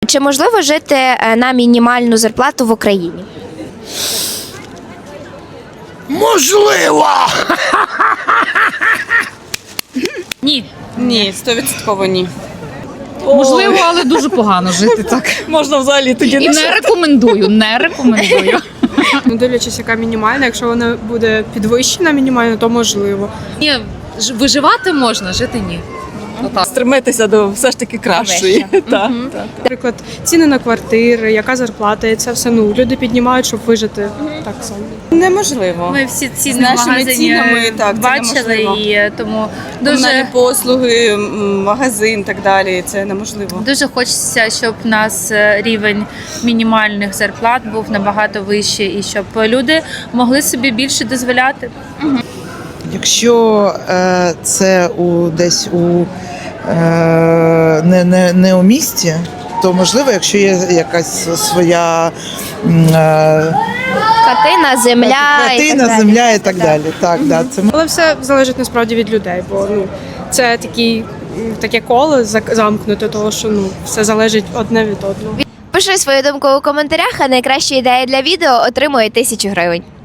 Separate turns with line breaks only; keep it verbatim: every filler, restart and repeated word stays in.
Чи можливо жити е, на мінімальну зарплату в Україні?
Можливо!
Ні,
Ні, стовідсотково ні.
можливо, але дуже погано жити так.
Можна взагалі тоді
І не рекомендую, не рекомендую.
Ну, дивлячись, яка мінімальна. Якщо вона буде підвищена мінімально, то можливо.
Ні, ж- виживати можна, жити ні. Отак.
стремитися до все ж таки кращої. Так, так.
Наприклад, ціни на квартири, яка зарплата, і це все ну люди піднімають, щоб вижити так само.
Неможливо.
Ми всі ціни
З
в
нашими
магазині
цінами, так, це
бачили,
неможливо.
і тому
Комунальні
дуже,
послуги, м, магазин і так далі. Це неможливо.
дуже хочеться, щоб у нас е, рівень мінімальних зарплат був набагато вищий, і щоб люди могли собі більше дозволяти.
Якщо е, це у десь у е, не, не, не у місті, то можливо, якщо є якась своя м, е,
Хатина, земля, і так
хатина,
далі.
земля і так далі. Так, да, це
Але все залежить насправді від людей, бо ну це такий м, таке коло зак- замкнуте, того що ну все залежить одне від одного.
Пиши свою думку у коментарях, а найкраща ідея для відео отримує тисячу гривень.